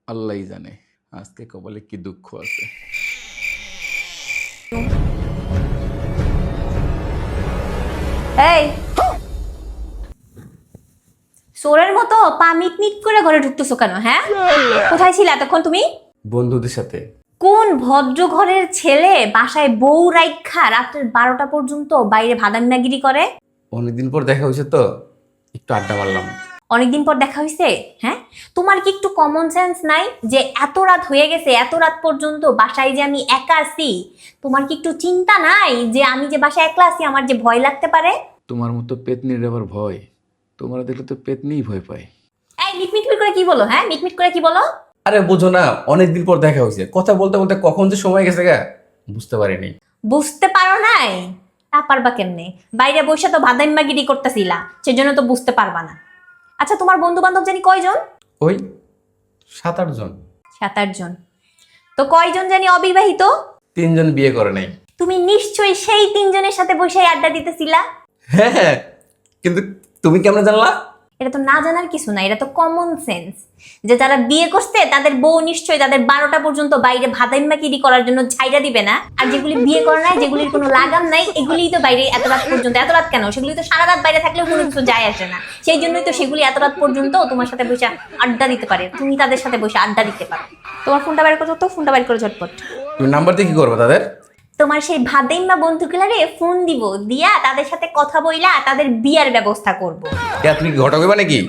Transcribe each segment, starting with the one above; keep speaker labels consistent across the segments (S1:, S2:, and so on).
S1: আল্লাহই জানে আজকে কপালে কি দুঃখ আছে।
S2: এই চোরের মতো পা মিটমিট করে ঘরে ঢুকতেছো কেন? হ্যাঁ, কোথায় ছিলে এতক্ষণ তুমি?
S1: বন্ধুদের সাথে।
S2: কোন ভদ্র ঘরের ছেলে বাসায় বউ রাইখা রাত্রের 12টা পর্যন্ত বাইরে ভাদান্নাগিরি করে?
S1: অনেকদিন পর দেখা হয়েছে তো একটু আড্ডা মারলাম।
S2: অনেকদিন পর দেখা হয়েছে? হ্যাঁ, তোমার কি একটু কমন সেন্স নাই যে এত রাত হয়ে গেছে, এত রাত পর্যন্ত বাসায় যে আমি একা আছি? তোমার কি একটু চিন্তা নাই যে আমি যে বাসায় একলা আছি আমার যে ভয় লাগতে পারে?
S1: তোমার মতো পেতনির আবার ভয়? তোমরা দেখলে তো পেতনিই ভয় পায়।
S2: এই মিটমিট করে কি বলো? হ্যাঁ, মিটমিট করে কি বলো?
S1: আরে বুঝো না, অনেকদিন পর দেখা হয়েছে, কথা বলতে বলতে কখন যে সময় গেছে গা বুঝতে পারিনি।
S2: বুঝতে পারো নাই? তা পারবা কেমনে? বাইরে বসে তো ভাদাইম্মাগিরি করতেছিলা, সেজন্য তো বুঝতে পারবা না। আচ্ছা, তোমার বন্ধু বান্ধব জানি কয়জন?
S1: ওই 7-8 জন।
S2: 7-8 জন? তো কয়জন জানি অবিবাহিত?
S1: 3 জন বিয়ে করে নাই।
S2: তুমি নিশ্চয়ই সেই 3 জনের সাথে বসে আড্ডা দিতেছিলা।
S1: হ্যাঁ হ্যাঁ, কিন্তু তুমি কেমন জানলা?
S2: এটা তো না জানার কিছু না, এটা তো কমন সেন্স যে যারা বিয়ে করছে তাদের বউ নিশ্চয়ই তাদের 12টা পর্যন্ত বাইরে ভাদাইম্মাগিরি করার জন্য ছাইড়া দিবে না। আর যেগুলি বিয়ে করে নাই, যেগুলির কোনো লাগাম নাই, এগুলিই তো বাইরে এত রাত পর্যন্ত। এত রাত কেন? সেগুলি তো সারা রাত বাইরে থাকলেও কোনো কিছু যায় আসে না। সেই জন্যই তো সেগুলি এত রাত পর্যন্ত তোমার সাথে বসে আড্ডা দিতে পারে, তুমি তাদের সাথে বসে আড্ডা দিতে পারো। তোমার ফোনটা বাইর করো তো, ফোনটা বাইর করো ঝটপট।
S1: তুমি নাম্বার দিয়ে কি করবে তাদের?
S2: তোমার সেই ভাদাইম্মা বন্ধুগুলারে ফোন দিব, দিয়া তাদের সাথে কথা বইলা তাদের বিয়ার ব্যবস্থা করব।
S1: তুমি কি ঘটক হইবা নাকি?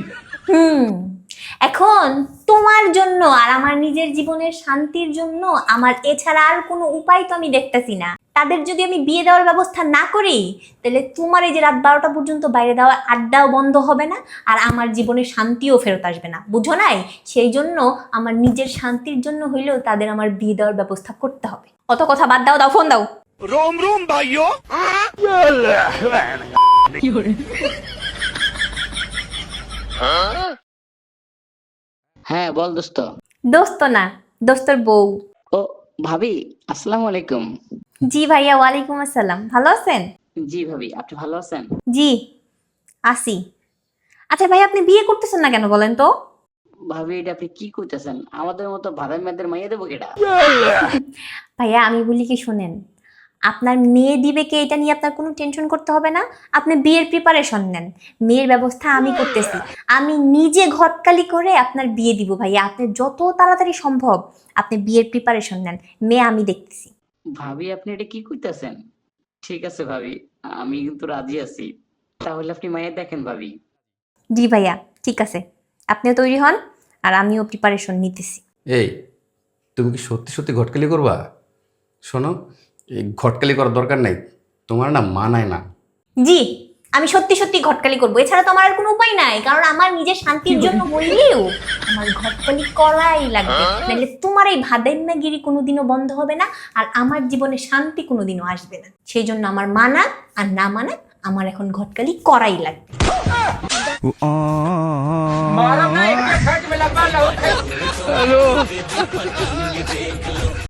S2: এখন তোমার জন্য আর আমার নিজের জীবনের শান্তির জন্য আমার এছাড়া আর কোনো উপায় তো আমি দেখতেছি না। তাদের যদি আমি বিয়ে দেওয়ার ব্যবস্থা না করি, তাহলে তোমার এই যে রাত 12টা পর্যন্ত বাইরে দেওয়া আড্ডাও বন্ধ হবে না, আর আমার জীবনের শান্তিও ফেরত আসবে না, বুঝো নাই? সেই জন্য আমার নিজের শান্তির জন্য হইলেও তাদের আমার বিয়ে দেওয়ার ব্যবস্থা করতে হবে। অত কথা বাদ দাও, দাও ফোন দাও।
S3: रोम रोम भाइयों।
S4: হ্যাঁ বল দোস্ত।
S2: দোস্ত না, দোস্তর বউ।
S4: ও ভাবি, আসসালামু আলাইকুম।
S2: জি ভাইয়া, ওয়ালাইকুম আসসালাম। ভালো আছেন?
S4: জি ভাবি, আপনি ভালো আছেন?
S2: জি আসি। আচ্ছা ভাই, আপনি বিয়ে করতেছেন না কেন বলেন তো?
S4: ভাবি, এটা আপনি কি কইতেছেন? আমাদের মতো ভাড়ার মেয়েদের মাইয়া দেবো কেটা?
S2: ভাইয়া আমি বলি কি শোনেন, আপনার মেয়ে দিবে কে এটা নিয়ে আপনার কোনো টেনশন করতে হবে না। আপনি বিয়ের প্রিপারেশন নেন, মেয়ের ব্যবস্থা আমি করতেছি। আমি নিজে ঘটকালি করে আপনার বিয়ে দিব ভাইয়া। আপনি যত তাড়াতাড়ি সম্ভব আপনি বিয়ের প্রিপারেশন নেন, মেয়ে আমি দেখতেছি।
S4: ভাবি, আপনি এটা কি কইতেছেন? ঠিক আছে ভাবি, আমি কিন্তু রাজি আছি। তাহলে আপনি মাইয়া দেখেন ভাবি।
S2: জি ভাইয়া, ঠিক আছে, আপনিও তৈরি হন আর আমিও প্রিপারেশন নিতেছি।
S1: এই, তুমি কি সত্যি সত্যি ঘটকালি করবা? শোনো, এই ঘটকালি করার দরকার নাই, তোমার না মানায় না।
S2: জি, আমি সত্যি সত্যি ঘটকালি করবো, এছাড়া তো আমার আর কোনো উপায় নাই। কারণ আমার নিজের শান্তির জন্য হইলেও আমার ঘটকালি করাই লাগবে, নাহলে তোমার এই ভাদাইম্মাগিরি কোনোদিনও বন্ধ হবে না, আর আমার জীবনে শান্তি কোনোদিনও আসবে না। সেই জন্য আমার মানা আর না মানা আমার এখন ঘটকালি করাই লাগবে।
S3: मारा नहीं, खट में लगा लो।